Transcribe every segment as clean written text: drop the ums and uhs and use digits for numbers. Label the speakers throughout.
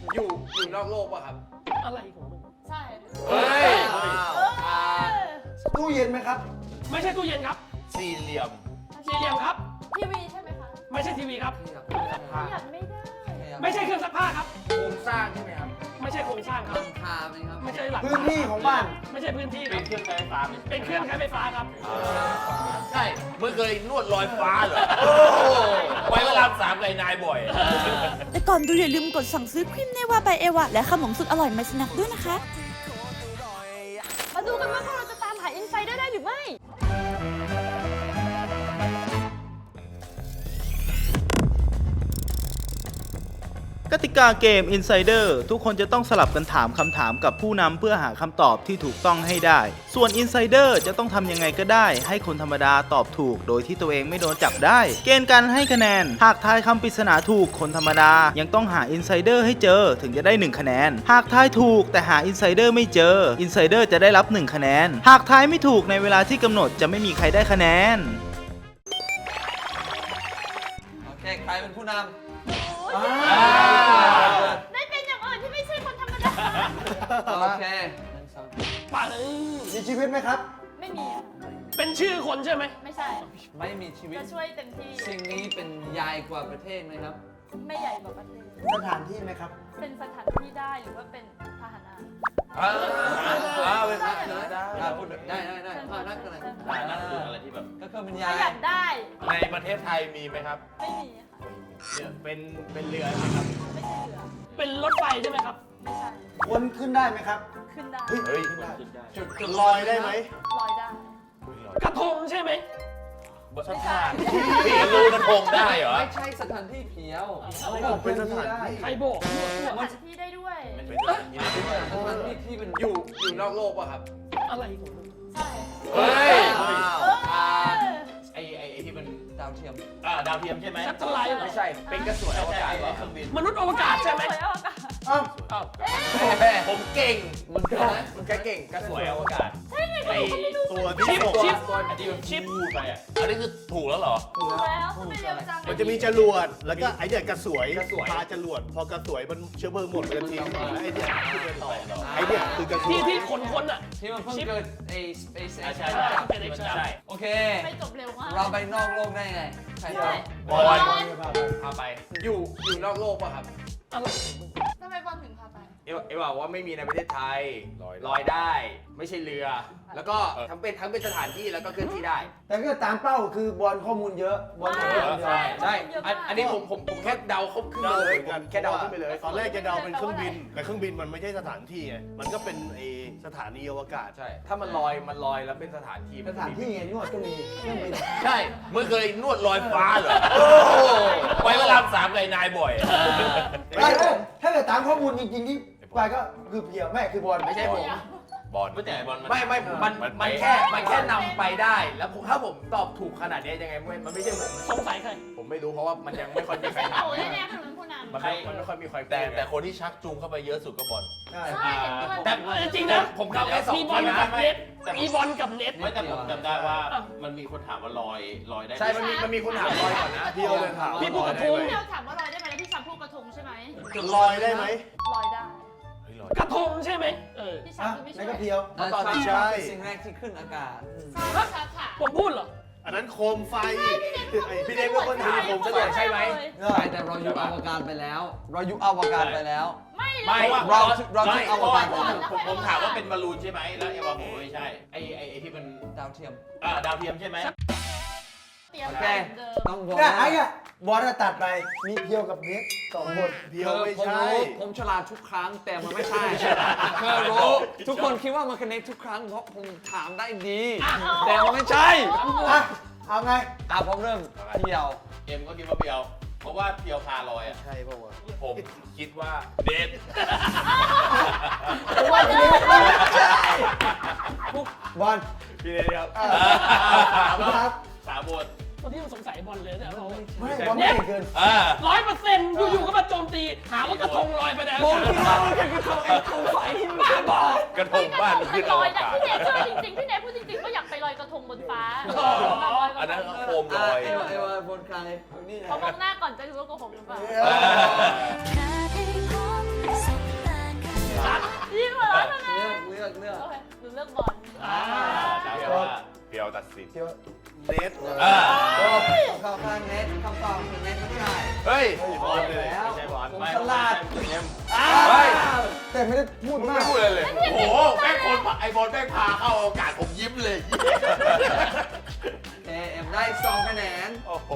Speaker 1: อยู่นอกโลกป่ะครับ
Speaker 2: อะไรของมึง
Speaker 3: ใช่
Speaker 1: เฮ้ย
Speaker 4: ตู้เย็นไหมครับ
Speaker 2: ไม่ใช่ตู้เย็นครับ
Speaker 1: สี่เหลี่ยม
Speaker 2: ครับ
Speaker 3: ทีวีใช่ไหมคะ
Speaker 2: ไม่ใช่ทีวีครับ
Speaker 3: อยากไม่ได้
Speaker 2: ไม่ใช่เครื่องซักผ้าครับ
Speaker 1: โครงสร้างใช่ไหมครับ
Speaker 2: ไม่ใช่โครงสร้างครับ
Speaker 5: คาไหมครับ
Speaker 2: ไม่ใช่หลัก
Speaker 4: พื้นที่ของบ้าน
Speaker 2: ไม่ใช่พื้นที่
Speaker 1: เป็นเครื่องใช้ไฟฟ้า
Speaker 2: เป็นเครื่องใช้ไฟฟ้าครับ
Speaker 1: ใช่เมื่อเคยนวดลอยฟ้าเหรอไว้เวลาสามไก่นายบ่อย
Speaker 6: แต่ก่อนดูอย่าลืมกดสั่งซื้อครีมเนวาบายเอวาและขนมสุดอร่อยมาสนักด้วยนะคะ
Speaker 3: มาดูกันว่าพวกเราจะตามหาอินไซเดอร์ได้หรือไม่
Speaker 7: กติกาเกม Insider ทุกคนจะต้องสลับกันถามคำถามกับผู้นำเพื่อหาคำตอบที่ถูกต้องให้ได้ ส่วน Insider จะต้องทำยังไงก็ได้ให้คนธรรมดาตอบถูกโดยที่ตัวเองไม่โดนจับได้ เกณฑ์การให้คะแนนหากทายคำปริศนาถูกคนธรรมดายังต้องหา Insider ให้เจอถึงจะได้1คะแนนหากทายถูกแต่หา Insider ไม่เจอ Insider จะได้รับ1คะแนนหากทายไม่ถูกในเวลาที่กำหนดจะไม่มีใครได้คะแนน
Speaker 5: โอเคใครเป็นผู้นำ
Speaker 3: ได้เป็นอย่างอื่นที่ไม่ใช่คนธรรมดา
Speaker 5: โอเค
Speaker 2: ป่า
Speaker 4: มีชีวิตไหมครับ
Speaker 3: ไม่มีอะ
Speaker 2: เป็นชื่อคนใช่ไหม
Speaker 3: ไม่ใช่
Speaker 5: ไม่มีชีวิต
Speaker 3: จะช่วยเต็มที่
Speaker 5: สิ่งนี้เป็นใหญ่กว่าประเทศไหมครับ
Speaker 3: ไม่ใหญ่กว่าประเทศ
Speaker 4: สถานที่ไหมครับ
Speaker 3: เป็นสถานที่ได้หรือว่าเป็นพาหนะ
Speaker 5: เป็นนักได้พูดได้นักอะไร
Speaker 1: นั่นคืออะไรที่แบบ
Speaker 5: ก็คือเป็น
Speaker 3: ป
Speaker 5: ใหญ่
Speaker 3: ระหยัดได้
Speaker 1: ในประเทศไทยมีไหมครับ
Speaker 3: ไม่มีค่ะ
Speaker 1: เป็นเรือไหมครับ
Speaker 3: ไม่ใช่เรือ
Speaker 2: เป็นรถไฟใช่ไหมครับ
Speaker 3: ไม่ใช่
Speaker 4: วนขึ้นได้ไหมครับ
Speaker 3: ขึ้นได้
Speaker 1: เฮ้ย
Speaker 4: จุดลอยได้ไหม
Speaker 3: ลอยได้
Speaker 2: กระทงใช่ไหม
Speaker 1: สถานที่รู้กระทงได้เหรอ
Speaker 5: ไม่ใช่สถานที่เพียว
Speaker 4: เป็นสถานที่
Speaker 2: ใครบอก
Speaker 3: สถานที่ได้ด้วย
Speaker 1: เป็นสถานที่
Speaker 5: ที่เป็น
Speaker 1: อยู่นอกโลกป่ะครับ
Speaker 2: อะไรของมึง
Speaker 3: ใช่
Speaker 1: เฮ้ยไอ้ที่เป็น
Speaker 5: ดาวเทียม
Speaker 1: ดาวเทียมใช่ไหม
Speaker 2: สัตว์อะไร
Speaker 1: ไม่ใช่เป็นกระสวยอวกาศเครื่องบิน
Speaker 2: มนุษย์อวกาศใช่ไหม
Speaker 1: ผมเก่ง
Speaker 5: มัน
Speaker 1: เก่งกระสวยอวกาศ
Speaker 3: ใช่ไงไอ้
Speaker 1: ตัวที่ชิปไปอ่ะอันนี้คือถูกแล้วเหรอ
Speaker 3: ถูกแล้วทำไมเร็วจัง
Speaker 8: มันจะมีจรวดแล้วก็ไอเดียกระสวยพาจรวดพอกระสวยมันเชื้อเพลิงหมดมันทิ้งไอเดียขึ้นไปต่อไอเดียคือกระสวย
Speaker 2: ที่คนอ่ะ
Speaker 5: ที่มันเพิ่งเกิดไอ้ SpaceX
Speaker 1: ใช่
Speaker 5: โอเค
Speaker 3: ไปจบเร็วมาก
Speaker 5: เราไปนอกโลกได้ไงใคร
Speaker 1: บอลพาไปอยู่นอกโลกป่ะครับ
Speaker 2: อะไรของมึง
Speaker 3: ทำไมบอลถึงพาไป
Speaker 1: เอว่าว่าไม่มีในประเทศไทยลอยได้ไม่ใช่เรือแล้วก็ทั้งเป็นสถานที่แล้วก็เคลื่อนที่ได้
Speaker 4: แต่ก็ตามเป้าคือบอลข้อมูลเยอะบอลเยอะ
Speaker 1: ใช่อันนี้ผมแค่เดาเขาขึ้นไปเลยแค่เดาขึ้นไปเลย
Speaker 8: ตอนแรกจะเดาเป็นเครื่องบินแต่เครื่องบินมันไม่ใช่สถานที่ไงมันก็เป็นสถานีอวกาศ
Speaker 1: ใช่ถ้ามันลอยแล้วเป็นสถานที่
Speaker 4: ไงนวดก็มีเครื่องบิน
Speaker 1: ใช่เมื่อเคยนวดลอยฟ้าเหรอไว้เวลาสามไก่นายบ่อย
Speaker 4: ถ้าเกิดตามข้อมูลจริงๆที่ไปก็คือเพียวแม่คือบอล
Speaker 1: ไม่ใช่ผมบอลไม่มันแค่นำไปได้แล้วถ้าผมตอบถูกขนาดนี้ยังไงมันไม่ใช่ผม
Speaker 2: สงสัยใคร
Speaker 1: ผมไม่รู้เพราะว่ามันยังไม่ค่อยมีใคร
Speaker 3: โอ้ยแน่ๆเป็นผู้นำ
Speaker 1: มันไม่ค่อยมีใครแต่คนที่ชักจูงเข้าไปเยอะสุดก็บอล
Speaker 3: ใช่
Speaker 2: แต่จริงนะ
Speaker 1: ผมเข้าแค่2
Speaker 2: คนนะมีบอลกับเน็ต
Speaker 1: ไม่แต่ผมจำได้ว่ามันมีคนถามว่าลอยได้ใช่มันมีคนถามลอยก่อนนะ
Speaker 4: พี่เลยถาม
Speaker 2: พี่พูดกระทง
Speaker 3: พี่ถามว่าลอยได้ไหมแล้วพี่ชันพูดกระทงใช่ไหม
Speaker 8: ลอยได้ไหม
Speaker 3: ลอยได้
Speaker 2: กระทงใช่ไหม
Speaker 3: พี่ชันคือไม่ใช่
Speaker 4: ก็เพียว
Speaker 5: ตอนที่ใช่สิ่งแรกที่ขึ้นอากาศ
Speaker 2: ผมพูดเหรอ
Speaker 8: อันนั้นโคมไฟ
Speaker 1: พี่เด็กเป็นคนถามผมใช่ไหม
Speaker 5: ใช่แต่เราอยู่อวกาศไปแล้วเราอยู่อวกาศไปแล้ว
Speaker 3: ไม่
Speaker 5: เราที่อวกาศ
Speaker 1: ผมถามว่าเป็นบอลลูนใช่ไหมแล้วเอวาผมไม่ใช่ไอ้ที่เป็น
Speaker 5: ดาวเทียม
Speaker 1: ดาวเทียมใช่ไหม
Speaker 5: โอเคต้องบอก
Speaker 4: ไอ้บอลตัดไปมีเพียวกับเน็ต2คน
Speaker 8: เพียวไม่ใช่
Speaker 5: ผมฉลาดทุกครั้งแต่มันไม่ใช่เธอรู้ทุกคนคิดว่ามันคเนคทุกครั้งเพราะผมถามได้ดีแต่มันไม่ใช่
Speaker 4: เอาไง
Speaker 5: ผมเริ่มเพียว
Speaker 1: เอ็มก็คิดว่าเพียวเพราะว่าเพียวคาลอยอ่ะ
Speaker 8: ใช่ป่าววะ
Speaker 1: ผมคิดว่าเด็ด
Speaker 4: บอล
Speaker 1: พี่เด็ดครับสามบท
Speaker 2: ตอนที่มันสงสัยบอลเลยเนี่ย
Speaker 4: ไม่บอลไม่เกิน
Speaker 2: 100%อยู่ๆก็มาโจมตีหาว่ากระทงลอยไปแล้ว
Speaker 5: ผมคิดว่ามันคือกระทงไฟบ้าบอก
Speaker 1: ระทงบ้าน
Speaker 3: ขึ้นลอยนะพี่เนยเชื่อจริงๆพี่เนยพูดจริงๆก็อยากไปลอยกระทงบนฟ้า
Speaker 1: อันนั้นโคมลอย
Speaker 5: ไอ้ว่าบนใคร
Speaker 3: เขามองหน้าก่อนจะรู้ว่าโกหกหรือเปล่า
Speaker 8: ตัดสิน
Speaker 4: เพียว
Speaker 8: เนท
Speaker 5: เข้าข้างเน็ตคำตอบคือเน็ตไม่ใช่
Speaker 1: เฮ้ย
Speaker 8: บอลเลย
Speaker 5: แล้ว
Speaker 1: ไม่ใช่บอล
Speaker 5: ผม
Speaker 1: ไม่
Speaker 5: ฉลาด
Speaker 1: เฮ้ย
Speaker 4: แต่ไม่ได้พูด
Speaker 1: มึง
Speaker 4: มา
Speaker 1: ไม่
Speaker 4: ก
Speaker 1: พูดเลยเลย โอ้โห แม่งคนไอ้บอลแม่งพาเข้าโอกาสผมยิ้มเลย
Speaker 5: เอ็มได้2คะแนน
Speaker 8: โอ้โห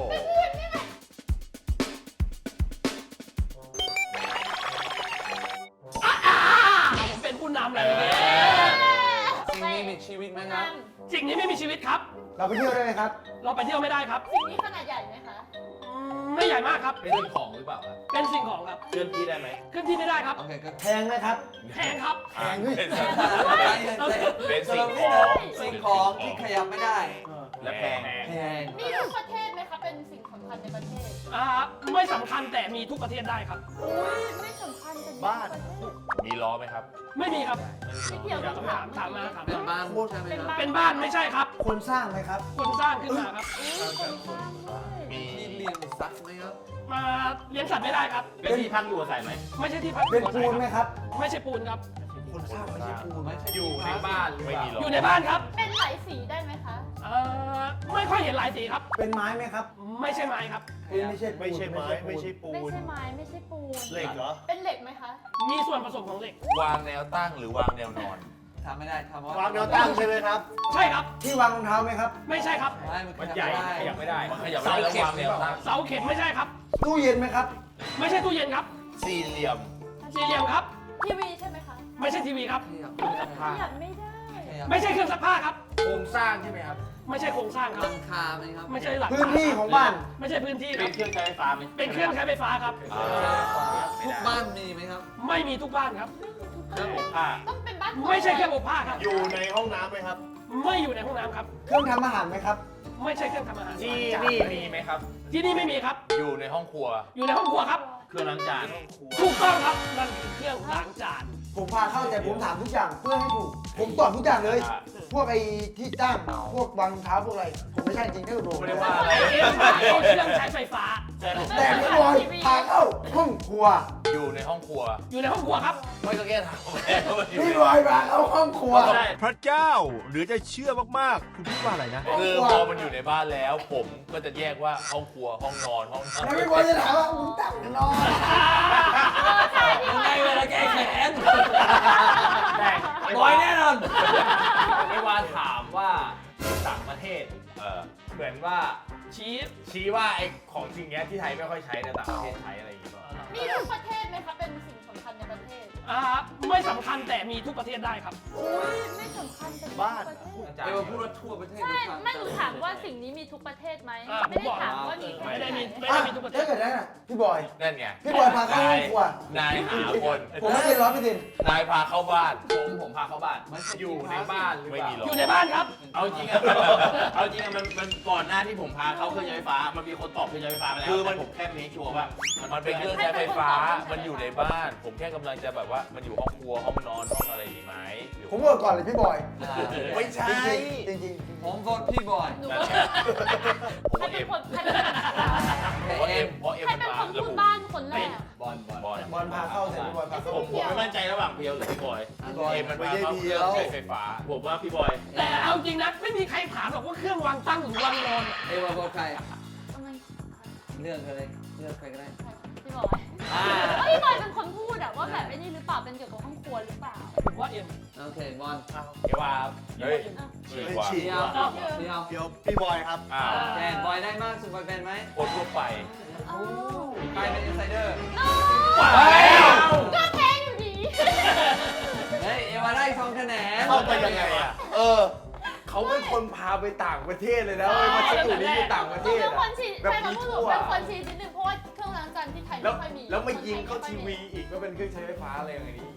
Speaker 2: ผมเป็นผู้นำเลย
Speaker 5: สิ่งนี้มีชีวิตไหมครับ
Speaker 2: สิ่งนี้ไม่มีชีวิตครับ
Speaker 4: เราไปเที่ยวได้ไหมครับ
Speaker 2: เราไปเที่ยวไม่ได้ครับ
Speaker 3: สิ่งนี้ขนาดใหญ่ไหมคะ
Speaker 2: ไม่ใหญ่มากครับ
Speaker 1: เป็นสิ่งของหรือเปล่าครับ
Speaker 2: เป็นสิ่งของครับ
Speaker 1: เคลื่อนที่ได้ไหม
Speaker 2: ขึ้นที่ไม่ได้ครับ
Speaker 5: โอเคก็
Speaker 4: แพงไหมครับ
Speaker 2: แพงครับ
Speaker 4: แพงด้วย
Speaker 1: เป็นสิ่งของ
Speaker 5: สิ่งของที่ขยับไม่ได้
Speaker 1: และแพง
Speaker 5: แพง
Speaker 3: มีทุกประเทศไหมคะเป็นสิ่งสำคัญในประเทศ
Speaker 2: ไม่สำคัญแต่มีทุกประเทศได้ครับ
Speaker 3: อุ้ยไม่สำคัญแต่มีทุกประเทศ
Speaker 1: มีล้อไหมครับ
Speaker 2: ไม่มีครับ
Speaker 3: ไม่เกี่ยวกับ
Speaker 2: ถามมาถาม
Speaker 5: เป็น
Speaker 2: มา
Speaker 5: บ้านใช่ไหมครับ
Speaker 2: เป็นบ้านไม่ใช่ครับ
Speaker 4: คนสร้างไหมครับ
Speaker 2: คนสร้างขึ้นมาครับ
Speaker 3: อุ้ยคนสร้างด้วย
Speaker 1: มี
Speaker 5: มีเลี้ยงสัตว์ไหมครับ
Speaker 2: มาเลี้ยงสัตว์ไม่ได้ครับ
Speaker 1: เป็นที่พักอยู่อาศัยไหม
Speaker 2: ไม่ใช่ที่พัก
Speaker 4: เป็นปูนไหมครับ
Speaker 2: ไม่ใช่ปูนครับ
Speaker 5: คนสร้างไม่ใช่ปูไม่ใช่
Speaker 1: อยู่ในบ้านไม่มีล้อ
Speaker 2: อ
Speaker 1: อยู่
Speaker 2: ในบ้านครับ
Speaker 3: เป็นหลายสีได้ไหมคะ
Speaker 2: ไม่ค่อยเห็นหลายสีครับ
Speaker 4: เป็นไม้ไหมครับ
Speaker 2: ไม่ใช่ไม้ครับ
Speaker 4: ไม่ใช่ปูน
Speaker 8: ไม่ใช่ไม้ไม่ใช่ปู
Speaker 3: ไม่
Speaker 8: น
Speaker 3: ใช่ไม้ไม่ใช่ปูน
Speaker 8: เหล็กเหรอ
Speaker 3: เป็นเหล็กไหมคะ
Speaker 2: มีส่วนผสมของเหล็ก
Speaker 1: วางแนวตั้งหรือวางแนวนอน
Speaker 5: ทำไม่ได้ทำ
Speaker 8: วางแนวตั้งใช่ไหมครับ
Speaker 2: ใช่ครับ
Speaker 4: ที่วางรองเท้าไหมครับ
Speaker 2: ไม่ใช่ครับ
Speaker 5: ไม่มัน
Speaker 1: มัน
Speaker 5: ข
Speaker 1: ใหญ่
Speaker 5: ยับไม่ได้
Speaker 1: ขยับไม่ได้มันขยับไม่ได้แล้ววางแนวตั้ง
Speaker 2: เสาเข็มไม่ใช่ครับ
Speaker 4: ตู้เย็นไหมครับ
Speaker 2: ไม่ใช่ตู้เย็นครับ
Speaker 1: สี่เหลี่ยม
Speaker 2: สี่เหลี่ยมครับ
Speaker 3: ทีวีใช่ไหมคะ
Speaker 2: ไม่ใช่ทีวีครับ
Speaker 3: ขยับไม่ได้
Speaker 2: ไม่ใช่เครื่องซักผ้าครับ
Speaker 1: โครงสร้างใช่ไหมครับ
Speaker 2: ไม่ใช่โครงสร้างค
Speaker 5: ห
Speaker 2: รับ
Speaker 5: ลังคาไหมครับ
Speaker 2: ไม่ใช่หลัง
Speaker 4: พื้นที่ของบ้าน
Speaker 2: ไม่ใช่พื้นที่ค
Speaker 1: เป็
Speaker 2: รั
Speaker 1: น
Speaker 2: บ
Speaker 1: เครื่องใช้ไฟฟ้าไหม
Speaker 2: เป็นเครื่องใช้ไฟฟ้าครับ
Speaker 5: ทุกบ้านมีไหมครับ
Speaker 2: ไม่มีทุกบ้านครับ
Speaker 1: เครื่องอบผ้า
Speaker 3: ต้องเป็นบ้าน
Speaker 2: ไม่ใช่เครื่องอบผ้าครับ
Speaker 8: อยู่ในห้องน้ำไหมครับ
Speaker 2: ไม่อยู่ในห้องน้ำครับ
Speaker 4: เครื่องทำอาหารไหมครับ
Speaker 2: ไม่ใช่เครื่องทำอาหาร
Speaker 1: ที่นี่มีไหมครับ
Speaker 2: ที่นี่ไม่มีครับ
Speaker 1: อยู่ในห้องครัว
Speaker 2: อยู่ในห้องครัวครับ
Speaker 1: เครื่องล้างจาน
Speaker 2: ถูกต้องครับนั่นคือเครื่องล้างจาน
Speaker 4: ผมพาเข้าแต่ผมถามทุกอย่างเพื่อให้ถูก ผมตอบทุกอย่างเลย พวกไอ้ที่ตั้งพวกวางรองเท้าพวกอะไร ผมไม่ใช่จริงๆถ้าผม
Speaker 1: ไม่ได้ว่าอะไร
Speaker 2: เครื่องใช้ไฟฟ้า
Speaker 4: แต่พี่บอยพาเข้าห้องครัว
Speaker 1: อยู่ในห้องครัว
Speaker 2: อยู่ในห้องครัวครับ
Speaker 1: ไม่ก็แค่ถาม
Speaker 4: พี่บอยพาเข้าห้องครัว
Speaker 1: ใช่
Speaker 8: พระเจ้าหรือจะเชื่อมากๆ คือพี่ว่าอะไรนะ
Speaker 1: คือพอมันอยู่ในบ้านแล้ว ผมก็จะแยกว่าห้องครัวห้องนอนห้อง
Speaker 4: แล้วพี่บอยจะถามว่ามึงตั้งนอน
Speaker 5: ยังไงเวลาแก้แค้น
Speaker 1: แต่
Speaker 5: บอยแน่นอน
Speaker 1: ไม่ว่าถามว่าต่างประเทศเหมือนว่าชี้ว่าไอ้ของสิ่งเนี้ยที่ไทยไม่ค่อยใช้แต่ต่างประเทศใช้อะไรอย่างเงี้ย
Speaker 3: มีทุกประเทศไหมคะเป็นสิ่งสำคัญในประเทศ
Speaker 2: ไม่สำคัญแต่มีทุกประเทศได้ครับ
Speaker 3: อุ้ยไม่สำคัญแต่มีทุก
Speaker 8: บ้าน
Speaker 3: ประเทศ
Speaker 5: เอวพูดว่าทั่วประเทศ
Speaker 3: ใช่
Speaker 5: ทุกครั้ง
Speaker 3: ไม่หนูถามว่าสิ่งนี้มีทุกประเทศไหม
Speaker 2: อ่า
Speaker 3: ไม่ได้ถามว่ามีแค่
Speaker 2: ไม่ได้
Speaker 3: ไหน
Speaker 2: มีทุกประเท
Speaker 4: ถ้า
Speaker 2: ศ
Speaker 4: เกิดได้น่ะพี่บอย
Speaker 1: นั่นไง
Speaker 4: พี่บอยพาเข้าห้องครัว
Speaker 1: นายหาคน
Speaker 4: ผมไม่เป็น100%
Speaker 1: นายพาเข้าบ้าน
Speaker 9: ผมพาเข้าบ้าน อยู่ในบ้านหรือ
Speaker 1: ไม่
Speaker 9: เป
Speaker 1: มี
Speaker 9: ล่า
Speaker 1: หรอก
Speaker 2: อยู่ในบ้านครับ
Speaker 9: เอาจริงอะ เอาจริงอะมันก่อนหน้าที่ผมพาเข้าเครื่องใช้ไฟฟ้า มันมีคนตอบเครื่องใช้ไฟฟ้ามาแล้ว
Speaker 1: คือมัน
Speaker 9: แต่ผมแค่เมคชัวร์ว่า
Speaker 1: มันเป็นเครื่องใช้ไฟฟ้า มันอยู่ในบ้าน ผมแค่กำลังจะแบบว่ามันอยู่ห้องครัวห้องนอนห้องอะไรอย่างงี้ไหมหรือ
Speaker 4: ผมบอกก่อนเลยพี่บอย
Speaker 1: ไม่ใช่
Speaker 4: จริง
Speaker 5: ผมโหวตพี่บอย
Speaker 3: หนู
Speaker 1: นั่น
Speaker 3: ว่า
Speaker 1: แหละผม
Speaker 3: ใคร
Speaker 1: ว่า
Speaker 3: เป็
Speaker 1: เอ็
Speaker 3: น
Speaker 1: ม
Speaker 3: คนใครเป็นคน
Speaker 1: เพราะเอ็มเพราะเอ็ม
Speaker 3: ใคร
Speaker 1: มัน
Speaker 3: เป็น
Speaker 1: มา
Speaker 3: คน
Speaker 1: ระ
Speaker 3: พูด
Speaker 1: บุ
Speaker 3: บ้านคนแรก
Speaker 1: บอล
Speaker 4: ๆ บอลพาเข้าแต่พี่บอยพาเข้า
Speaker 9: ผมไม่มั่นใจระหว่างเพียวหรือพี่บอย
Speaker 1: เอ็มมันมาเข้าเครื่องใช้ไฟฟ้า
Speaker 9: ผมว่าพี่บอย
Speaker 2: แต่เอาจริงนะไม่มีใครถามหรอกว่าเครื่องวางตั้งหรือวางนอน
Speaker 5: เอวบอกใคร
Speaker 3: เอาเงิน
Speaker 5: เลือกอะไรเลือกใครก็ได้
Speaker 3: พี่บอยพี่บอยเป็นคนพูดอะว่าแบบไอ้นี่หรือเปล่าเป็นเกี่ยวกับห้องครัวหรือเปล่า
Speaker 2: ผมว่าเอ็ม
Speaker 5: โอเคบอล
Speaker 9: เอวา
Speaker 1: เฮ้ยฉีกว่า
Speaker 8: ฉีก
Speaker 5: เดียวเดียว
Speaker 8: เดี๋ยวพี่บอยครับ
Speaker 1: อ้าว
Speaker 5: แทนบอยได้มากสุดบอยเป็นไหม
Speaker 1: คนทั่วไป
Speaker 3: อ้าว
Speaker 5: ใครเป็นอินไซเดอร์
Speaker 3: ก็แพ้อยู่ดี
Speaker 5: เฮ้ยเอวาได้2คะแนน
Speaker 1: เข้าไปยังไงอ่ะ
Speaker 9: เขาเป็นคนพาไปต่างประเทศเลยนะมาเช็คอยู่นี่อยู่ต่างประ
Speaker 3: ห
Speaker 9: เท
Speaker 3: นู
Speaker 9: ศ
Speaker 3: เป็นคน
Speaker 9: อะ
Speaker 3: ฉีด
Speaker 9: แบบ
Speaker 3: ใช่
Speaker 9: มี
Speaker 3: คำพูดห
Speaker 9: ทั่
Speaker 3: นู
Speaker 9: ว
Speaker 3: เป็นคนฉีดนิดนึงเพราะว่าเครื่องล้างจานที่ไทย
Speaker 9: แล้
Speaker 3: ไม่
Speaker 9: ว
Speaker 3: ค่อยมี
Speaker 9: แล้วมายิงเข้าทีวีอีกก็เป็นเครื่องใช้ไฟฟ้าอะไรอย่างนี้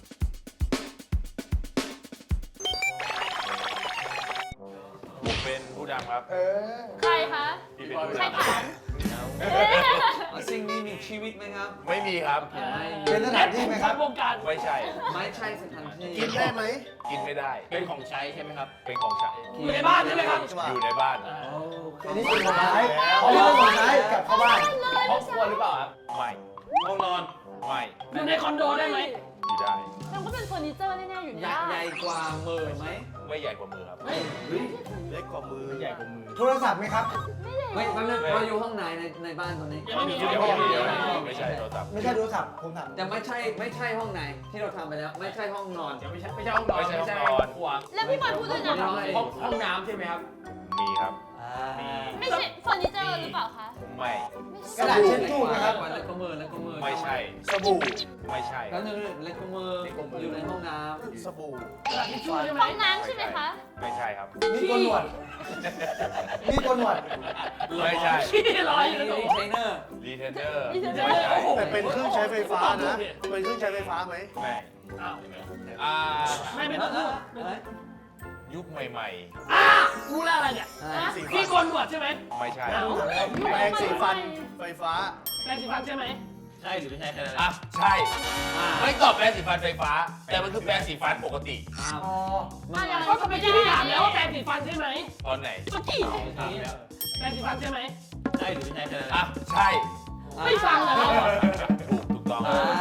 Speaker 1: ผมเป็นผู้ดำครับ
Speaker 3: ใครคะ
Speaker 1: พี่เป็นผู้
Speaker 3: ใคร
Speaker 1: ดำ
Speaker 3: ถาม
Speaker 5: สิ่งนี้มีชีวิตไหมครับ
Speaker 1: ไม่มีครับ
Speaker 4: เป็นสถานที่ไหมครับ
Speaker 2: วงการ
Speaker 1: ไม่ใช่
Speaker 5: ไม่ใช่สถานที่
Speaker 8: กินได้ไหม
Speaker 1: กินไม่ได้
Speaker 9: เป็นของใช้ใช่ไหมครับ
Speaker 1: เป็นของใช้
Speaker 2: อยู่ในบ้านใช่ไหมครับ
Speaker 1: อยู่ในบ้าน
Speaker 4: อันนี้เป็นผลไม้อันนี้เป็นผลไม้กลับเข้าบ้าน
Speaker 9: ครอบครัวหรือเปล่าครับ
Speaker 1: ไม่
Speaker 9: ห้องนอน
Speaker 1: ไม่
Speaker 2: อยู่ในคอนโดได้ไหม
Speaker 1: อยู่ได้
Speaker 3: มันก็เป็นเฟอร์นิเจอร์แน่ๆอยู่ใน
Speaker 5: ใหญ่
Speaker 3: บ้าน
Speaker 5: ใหญ่กว่ามือไหม
Speaker 1: ไม่ไม่ใหญ่กว่ามือครับ
Speaker 8: เล็กกว่ามือ
Speaker 1: ใหญ่กว่ามือ
Speaker 4: โทรศัพท์ไหมครับ
Speaker 5: เฮ้ยมันเราอยู่ห้องไหนในบ้านตอนนี้
Speaker 2: ยังไม่มี
Speaker 1: เดี๋ยวไม่ใช่โทรศัพท์
Speaker 4: ไม่ใช่โทรศัพท์ผมถาม
Speaker 5: แต่ไม่ใช่ห้องไหนที่เราทำไปแล้ว ไม่ใช่ห้องนอน
Speaker 1: ไม่ใช่ห้องนอนไม่ใช่ห้องนอน
Speaker 2: ขวา
Speaker 3: แล้วพี่บอลพูดด้วยนะคะ
Speaker 2: ห้องน้ำใช่ไหมครับ
Speaker 1: มีครับ
Speaker 3: ไม่ใช่เฟอร์นิเจอร์หรือเปล่าคะ
Speaker 1: ไม่
Speaker 4: กระดาษเช็ดตู้นะครับ
Speaker 5: แล้วก็มือ
Speaker 1: ไม่ใช่
Speaker 8: สบู่
Speaker 1: ไม่ใช่
Speaker 5: แล้วนึงเล็กมืออยู่ในห้องน้
Speaker 8: สบู่
Speaker 2: ทิชชู่ใช่ไหม
Speaker 3: ห้องน้ำใช่ไหมคะ
Speaker 1: ไม่ใช่ครับ
Speaker 4: มีโกนหนวดมีโกนหนวด
Speaker 1: ไม่ใช่
Speaker 2: ขี้ล
Speaker 5: ำ
Speaker 2: อยอยู่ในตู้
Speaker 5: เทรนเนอร์
Speaker 1: รีเทนเนอร์
Speaker 3: Retailer
Speaker 1: ไม่ใช่
Speaker 8: แต่เป็นเครื่องใช้ไฟฟ้านะ เป็นเครื่องใช้ไฟฟ้าไหม
Speaker 1: ไม่
Speaker 2: อ้าว
Speaker 1: อ่า
Speaker 2: ไม่ต้องพูด
Speaker 1: ยุคใหม่
Speaker 2: รู้แล้วอะไรเนี่ยพี่โกนหนวดใช่ไหม
Speaker 1: ๆ ไม่ใช่
Speaker 8: แปรงสีฟันไฟฟ้า
Speaker 2: แปรงสีฟันใช่ไหม
Speaker 9: ใช่หรือไม่ใช่แค่นั้น
Speaker 1: อ่ะใช่ไม่ตอบแปรงสีฟันไฟฟ้า แต่มันคือแปรงสีฟันปกติ
Speaker 4: อ๋อ
Speaker 2: ก็เมื่อกี้พี่ถามแล้วว่าแปรงสีฟันใช่ไหม
Speaker 1: ตอนไหน
Speaker 2: เมื่อกี้แปรงสีฟันใช่ไหม
Speaker 9: ใช่หรือไม่ใช่แค่นั้น
Speaker 1: อ่ะใช่
Speaker 2: ไม่ฟังเลย
Speaker 1: ถูกต้อง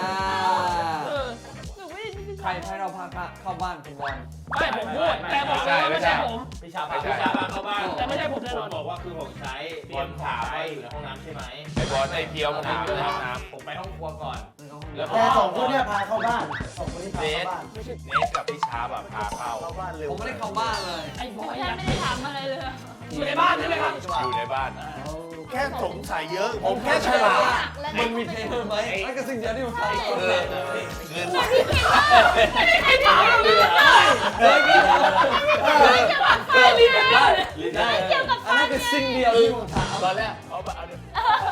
Speaker 3: หนูไม่ได้ยิน
Speaker 5: ใครให้เราพาเข้าบ้านคุณบอล
Speaker 2: ไม่ผมพูดแต่บอกว่าไม่ใช่ผม
Speaker 9: พี่ชาพาพี่ชาพาเข้าบ้าน
Speaker 2: แต่ไม่ใช่ผมแน่นอน
Speaker 9: บอกว่าคือของใช้บอลถามว่าอยู่ในห้องน้ำใช่ไหม
Speaker 1: ไอ้บอลไอ้เพียวมันอยู่ในห้องน้
Speaker 9: ผมไปห้องครัวก่อน
Speaker 4: แต่สองคนเนี่ยพาเข้าบ้านสองคนนี้
Speaker 1: ำ
Speaker 4: พา
Speaker 1: เน
Speaker 4: เข้า
Speaker 1: ส
Speaker 4: บ้าน
Speaker 1: เนสกับพี่ชาแบบพาเข้า
Speaker 8: เข้าบ้านเร็ว
Speaker 5: ผมไม่ได้เข้าบ้านเลย
Speaker 2: ไอ้บอย
Speaker 3: แค่ไม่ได้ถามอะไรเลย
Speaker 2: อยู่ในบ้านใช่ไหมครับ
Speaker 1: อยู่ในบ้าน
Speaker 8: แค่สงสัยเยอะ ผมแค่ฉลาด
Speaker 5: มันมีเทรนเนอร์ไหมนั่นก็สิ่งเดียวที่ผมทำ
Speaker 1: เงิน
Speaker 2: ไอ้ถามเราเลย
Speaker 5: ได้อันนั้นคือสิ่งเดียวที่ผมทำ
Speaker 1: ตอนแรกเขาแบบเอาเนี่ย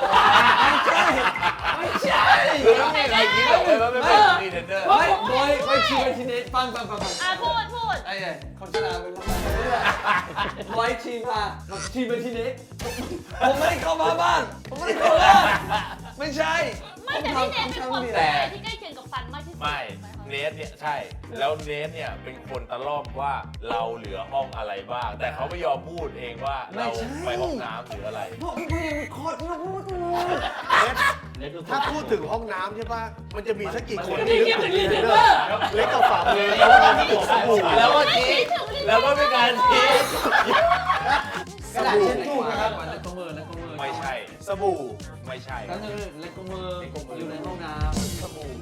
Speaker 5: ไม่ใช่
Speaker 1: คือไม่มีใครคิดหรอกเลยว่าไม่เป็นรีเทนเนอร์
Speaker 5: ไม่ชีไปทีนี้ฟัง
Speaker 3: อ่ะพูด
Speaker 5: ไอ้คนชนะเป็นร้อยชีมาชีไปทีนี้ผมไม่ได้เข้ามาบ้านผมไม่ได้เข้าบ้านไม่ใช่
Speaker 3: ไม่แต่พี่เนทเป็นคนที่ใกล้เคียงกับฟันมากที่สุด
Speaker 1: ไม่เนสเนี่ยใช่ แล้วเนสเนี่ยเป็นคนตะล่อมว่าเราเหลือห้องอะไรบ้าง แต่เขาไม่ยอมพูดเองว่าเราไปห้องน้ำหรืออะไร
Speaker 5: พวกพี่ยังคอดมาพูดเลย
Speaker 8: ถ้าพูดถึงห้องน้ำใช่ป่ะ มันจะมีสักกี่คน
Speaker 2: นี่
Speaker 8: ที่
Speaker 2: เกี่ยว
Speaker 8: นึ
Speaker 2: กับ
Speaker 8: ก
Speaker 2: รี
Speaker 8: ถึง
Speaker 2: เทน
Speaker 8: เน
Speaker 2: เน
Speaker 8: อ
Speaker 2: อ
Speaker 8: ร์
Speaker 2: ร์
Speaker 8: เล็กกับฝ่ามือแล้วก็มีสบู่
Speaker 1: แล้วก็ชี้แล้วก็มีการชี้
Speaker 4: กระดาษเช็ดตู้นะครับ
Speaker 5: แล้วก็มือ
Speaker 1: ไม่ใช่
Speaker 8: สบู่
Speaker 1: ไม่ใช่
Speaker 5: แล้วนึงเล็กมืออยู่ในห้องน้
Speaker 8: สบู่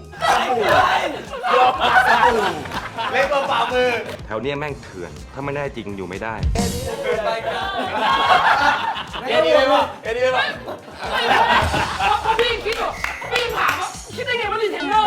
Speaker 1: เล็กกว่าฝ่ามือ
Speaker 10: แถวเนี้ยแม่งเถื่อน ถ้าไม่ได้จริงอยู่ไม่ได้
Speaker 5: ำไปกัน
Speaker 1: แค่นี้เลยป่ะแค่นี้เลยป่ะ
Speaker 2: เพราะพี่คิดว่าพี่ถามว่าคิดได้ไงว่ารีเทนเนอร์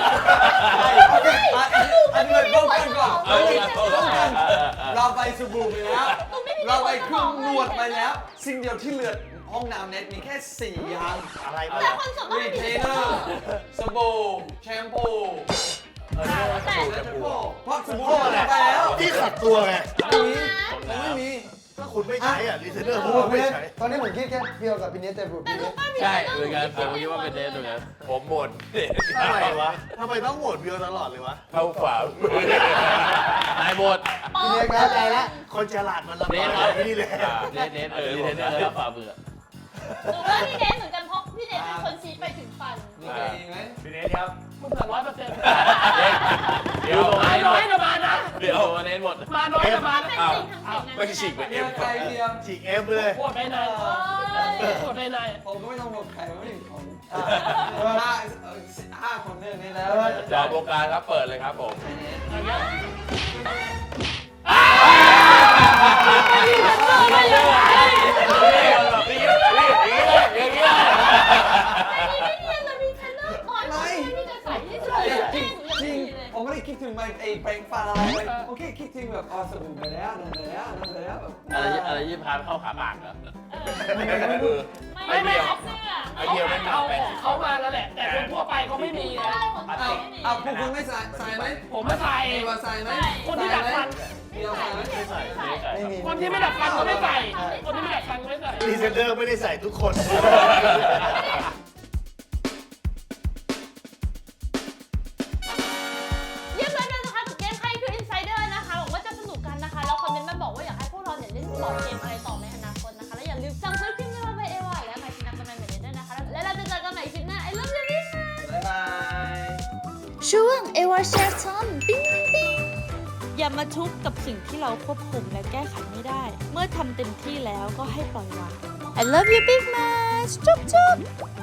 Speaker 5: อันนี้ป้องกันก่อนเราไปสบู่ไปแล้ว เราไปเครื่องนวดไปแล้ว สิ่งเดียวที่เหลือห้องน้ำเน็ตมีแค่4อย่าง
Speaker 8: อะไร
Speaker 3: แต่คนส่วนมาก
Speaker 5: รีเทนเนอร์สบู่แชมพู
Speaker 3: แต่
Speaker 5: และแชมพูเพราะสบู่หมดไปแล้ว
Speaker 8: ที่ขัดตัวไง
Speaker 5: ไม่มี
Speaker 8: ถ้าคุณไม่ใช้อ่ะรีเทนเนอร์
Speaker 4: ผ
Speaker 8: ผม
Speaker 4: ม
Speaker 8: ว่า
Speaker 4: ไม่
Speaker 8: ไม่
Speaker 4: ได้
Speaker 8: ใช้
Speaker 4: ตอนนี้ผมคิดแค่เพียวกับพี่เนสแต่ผม
Speaker 3: แต่
Speaker 4: พี่เน
Speaker 3: รู้
Speaker 4: ส
Speaker 3: ป่ะมี
Speaker 9: ใช่เหมือนกันผมคิดว่าเป็นเนสเหมือนกัน
Speaker 1: ผมบ่น
Speaker 8: ทำไมวะทำไมต้องโหวตเบียวตลอดเลยวะ
Speaker 1: เข้าฝ่ามือน
Speaker 9: ายบท
Speaker 4: พี่เนสเข้าใจแล้ว
Speaker 8: คนฉลาดมันลำ
Speaker 9: เน
Speaker 8: บา
Speaker 9: ส
Speaker 8: ก
Speaker 9: ครับ
Speaker 8: นี่แหละ
Speaker 9: เนสรีเทนเนอร์ฝ่ามือ
Speaker 3: หนูว่าพี่เนทเหมือนกันเพราะพี่เนทเป็นคนชี้ไปถึงฟัน
Speaker 5: มีใครอีกไหม
Speaker 1: พี่เนสครับ
Speaker 2: มึงเกิด100%
Speaker 1: เดี๋ยว
Speaker 2: มาน้อยนะมานะ
Speaker 9: เดี๋ยวเนสหมด
Speaker 2: มาน้อยนะมานะ
Speaker 3: เป็นสิ่งทำสิ่งนั้น
Speaker 1: ไม่ฉีกไปเอ็
Speaker 5: เดีย
Speaker 1: ม
Speaker 5: วใครเดียว
Speaker 8: ฉีกเอฟเลย
Speaker 2: ปวดไปไหนปวดไปไหน
Speaker 5: ผมก็ไม่ต้องบอกใครไม่ถึงผมห้าคนเรื่องนี้แล้ว
Speaker 1: จอโปรการครับเปิดเลยครับผม
Speaker 2: ไม่ยังไง
Speaker 1: อย่างเงี้ย
Speaker 3: ไม่เนียนเลยมีเทรนเนอร์ก่อนที่จะใส่ที่สุด
Speaker 5: จริง
Speaker 3: จ
Speaker 5: จ
Speaker 3: ริ
Speaker 5: ริ
Speaker 3: ง
Speaker 5: งผมไม่ได้คิดถึงไอ้แปรงฟันอะไรเลยโอเคคิดถึงแบบสบู่ไปแล้วนั่นไปแล้วนั่นไปแล้วแบบ
Speaker 9: อะไรยี่พาเข้าขาปากเหรอ
Speaker 3: ไม่เสื้อ
Speaker 1: ไอเดียวไม่
Speaker 2: เอา
Speaker 1: ทำเป็น
Speaker 2: ของเขามาแล้วแหละ แต่คนทั่วไปเขาไม่มีนะ
Speaker 5: เอาพวกคุณไม่ใส่ไหม
Speaker 2: ผมไม่ใส่
Speaker 5: เอวาใส่ไหม
Speaker 2: คนที่ดัดฟัน
Speaker 5: เดียวใส่ไหม
Speaker 4: ไม่มี
Speaker 2: คนที่ไม่ดัดฟันก็ไม่ใส่ คนที่ไม่ดัดฟันก็ไม่ใส่
Speaker 8: รีเทนเนอร์ไม่ได้ใส่ทุกคน
Speaker 3: เยี่ยมเลยนะคะกับเกมใครคือ Insider นะคะหวังว่าจะสนุกกันนะคะ แล้วคอมเมนต์มาบอกว่าอยากให้พวกเราเนี่ยเล่นบอร์ดเกมอะไรต่อในอนาคตนะคะ และอย่าลืมสั่งซื้อคลิปนี้มาไปเอวาและไมค์นักกำนันเหมือนเดิมด้วยนะคะ และเราจะเจอกันใหม่คลิปหน้า I love you
Speaker 5: บ๊ายบาย
Speaker 6: ช่วงเอวาแชร์ทอมปิ้งปิ้งอย่ามาทุกข์กับสิ่งที่เราควบคุมและแก้ไขไม่ได้ เมื่อทำเต็มที่แล้วก็ให้ปล่อยวาง I love you big much จุ๊บจุ๊บ